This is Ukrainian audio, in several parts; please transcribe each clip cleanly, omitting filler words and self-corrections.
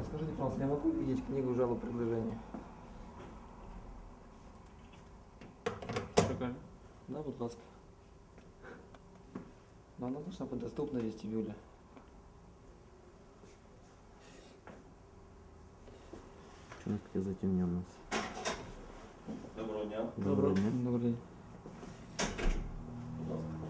Скажите, пожалуйста, я могу видеть книгу жалоб предложений? Прикольно. Да, будь ласка. Но она должна быть доступна в вестибюле. Что у нас таке затемнено? Доброго дня. Доброго дня. Добрый день. Будь ласка.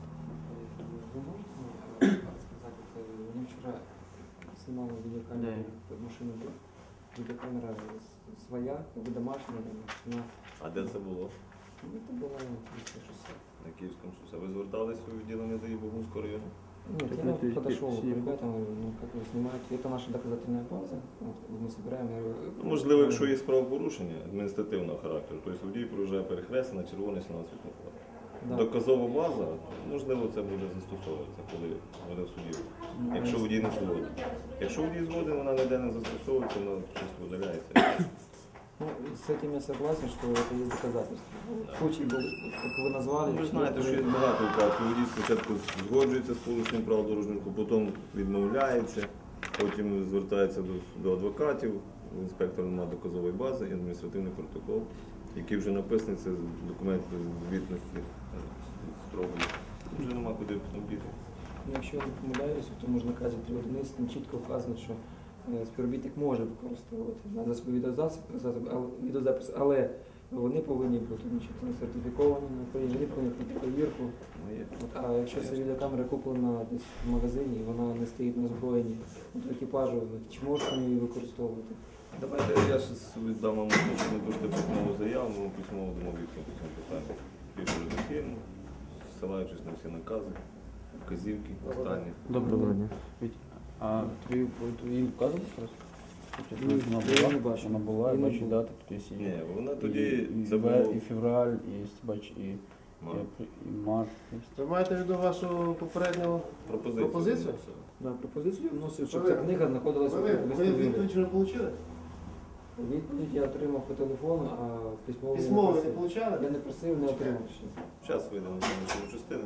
Вы можете мне рассказать, мне вчера снимала видеокамеру машины, видеокамера своя, как бы домашняя, она, А де це було? это было 360. На Київському шосе. Ви звертались у відділення ДАІ Богунського району? Нет, Так я это подошел к все- ребятам, говорю, ну как вы снимаете, это наша доказательная база, вот, мы собираем. Я говорю, Ну, можливо, якщо є правопорушення адміністративного характеру, тобто водій проїжджає перехрестя на червоний сигнал світлофора. да. Доказова база, можливо, це буде застосовуватися, коли буде в суді. Ну, Якщо водій не згоден. Якщо водій згоден, вона ніде не застосовується, вона чисто видаляється. Ну, с этим я согласен, что это есть доказательства. Да. Случай был, как вы назвали. Ви знаєте, що є багато випадків. Водій спочатку згоджується з порушенням правил дорожнього руху, потім відмовляється, потім звертається до адвокатів, у інспектора немає доказової бази і адміністративний протокол, який вже написаний, це документ звітності строгої. Вже нема куди обійти. Ну, якщо я не помиляюсь, то можна наказі 3.11 там чітко вказано, що співробітник може використовувати на засоби відеозапис, але вони повинні бути сертифіковані, вони повинні пройти перевірку. А якщо ця відеокамера куплена десь в магазині, і вона не стоїть на озброєнні екіпажу, чи можуть вони її використовувати? Давайте я зараз віддам вам можливість письмову заяву, ми письмово дамо відповідь по цьому питанню. Більш редакційно, зсилаючись на всі накази, вказівки, останні. Доброго дня. А твій вказано зараз? Ні, я не бачу. Вона була, Я я не бачу був. дати, тут є Ні, вона і, тоді, і, це було і февраль, і бач, і март. Ви маєте в виду вашу попередню пропозицію? Да, пропозицію вносив, щоб ця книга знаходилася в Ви вестибюлі. відповідь вже отримали? Відповідь я отримав по телефону, а письмово Письмово не просив. отримали? Я не просив, не отримав ще. Зараз вийдемо на цьому частину.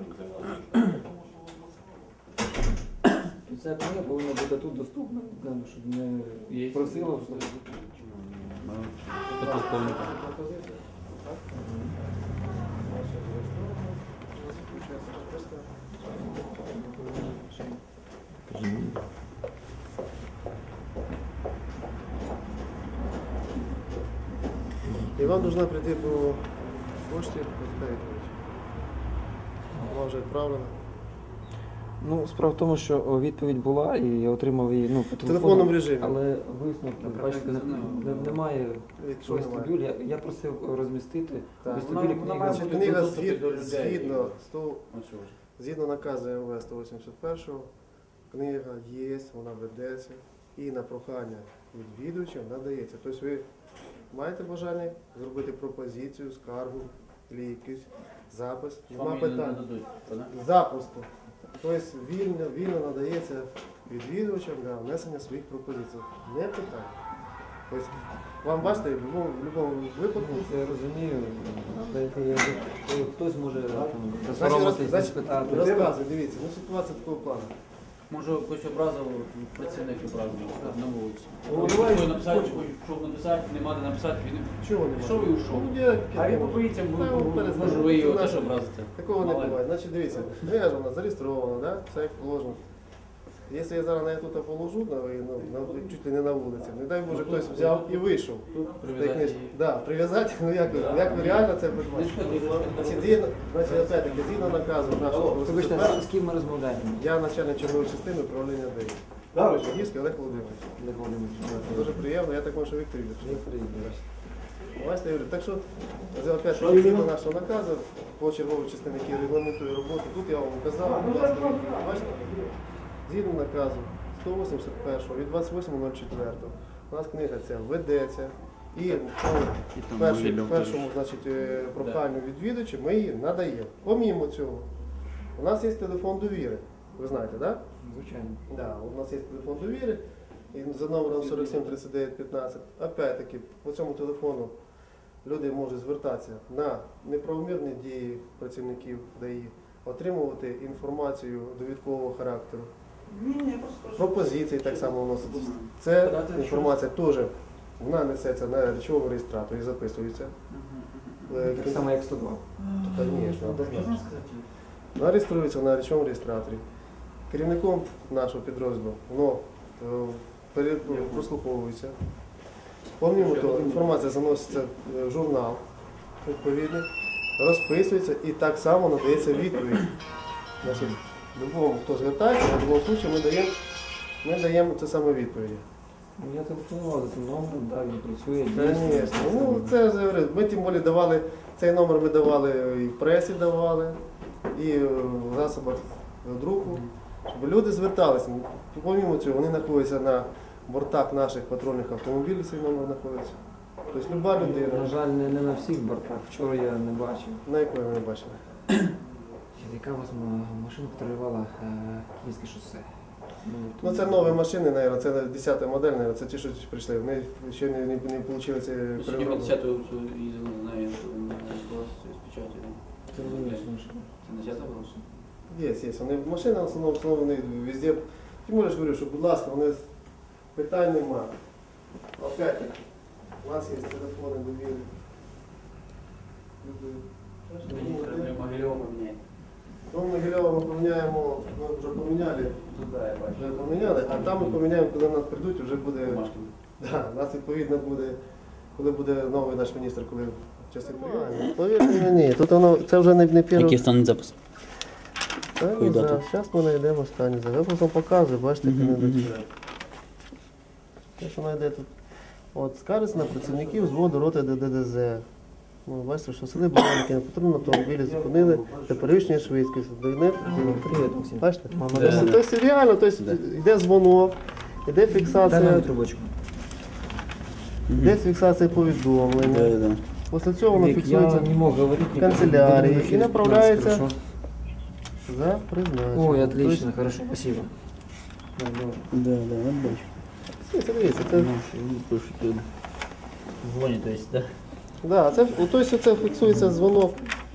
І ця книга повинна бути тут доступна, щоб не просила. І вам повинна прийти по пошті, вона вже відправлена. Ну, справа в тому, що відповідь була, і я отримав її по В телефонному режимі. Але висновку, бачите, немає Якщо немає. вестибюль. Я просив розмістити в Так. вестибюлі книга. Значить, книга згідно наказу МВ 181, книга є, вона ведеться і на прохання відвідувачів надається. Тобто ви маєте бажання зробити пропозицію, скаргу, або якийсь запис, нема питань. Запросто. Тобто вільно надається відвідувачам для внесення своїх пропозицій. Не питання. Тобто, вам бачите, в будь-якому випадку. Я розумію, хтось може Значить, спитати. розказуй, дивіться, ситуація такого плану. Може, якось образив працівник управління на вулиці. давай, Хоче написати, щоб написати, нема де написати, він Чого немає? пішов і ушов. А він побоїться, може ви його теж образите. Такого не Мало ли. буває. Значить, дивіться, книга ж вона зареєстрована, да? Все як положено. Якщо я зараз на тут положу, чуть ли не на вулиці, не дай Боже, хтось взяв і вийшов. Прив'язати її. Так, прив'язати, як ви реально це придбати? Значить, опять-таки, згідно наказу нашого Вибачте, президента, з ким ми розмовляємо? я начальник чергової частини управління ДАІ. Жидівський Олег Володимирович. Дуже приємно, я також Віктор Юрійович. Бачите, Юрій, так що, опять згідно нашого наказу, по черговій частині, який регламентує роботу, тут я вам вказав, будь ласка, бачите, згідно наказу 181 від 28.04, у нас книга ця ведеться, і по першому проханню відвідувачів ми її надаємо. Помімо цього, у нас є телефон довіри, ви знаєте, так? Звичайно. Да, у нас є телефон довіри, і за номером 47 39 15. Опять-таки, по цьому телефону люди можуть звертатися на неправомірні дії працівників ДАІ, отримувати інформацію довідкового характеру Ні, я просто Пропозиції так само вноситься. Це інформація теж, вона несеться на речовому реєстраторі і записується. Так само, як 102. Звісно, однозначно. Вона реєструється на речовому реєстраторі. Керівником нашого підрозділу воно прослуховується. Помнімо, то інформація заноситься в журнал відповідний, розписується і так само надається відповідь. Значить, любому, хто звертається, в будь-якому випадку ми даємо це саме відповіді. Я телефонував за цим номером, так, він працює. Звісно. Ну, це ж, я говорю, ми тим більше давали, цей номер ми давали і в пресі давали, і в засобах друку, щоб люди зверталися. Помимо цього, вони знаходяться на бортах наших патрульних автомобілів, цей номер знаходиться. Тобто люба На людина, жаль, не на всіх бортах. Вчора я не бачив. на якої ми не бачили. Яка у вас машина патрулювала Київське шосе? Ну це нові машини, мабуть, це 10-та модель, мабуть, це ті, що прийшли. Вони ще не отримали ці Сьогодні ми 10-ту їздили на неї, на з печаті. Ти розумієш, машина? Це не 10-та була? Є. Вони машини в основному вони везде. Тим більше говорю, що, будь ласка, вони питань нема. Опять, у нас є телефони довіри. Могильова поміняє. Дом Могильова ми поміняємо, ми вже поміняли, Туди я бачу. вже поміняли, а там ми поміняємо, коли нас прийдуть, вже буде. Бумажки. Да, нас відповідно буде, коли буде новий наш міністр, коли часи прийде. Повірте мені, тут воно, це вже не перший. Який стане запис? Якої дати? Зараз ми знайдемо останній запис. Я просто вам показую, бачите, як вони йдуть. Те, що вона йде тут. От, скаржиться на працівників взводу роти ДДЗ. Ну, бачите, що сели Баранки на патрульному автомобілі зупинили для перевищення швидкості. Привіт, Максим. Бачите? Мама, Тобто реально, йде дзвонок, йде дай нам фіксація, трубочку. йде фіксація повідомлення. Після цього воно Вік, фіксується я не мог говорити. в канцелярії Буду і направляється хорошо. за призначенням. Ой, отлично, хорошо, спасибо. Да, добре. Да, от бачу. Тобто, дивіться, це, Ну, що вони пишуть. Дзвонять, то есть, да? да, це фіксується дзвонок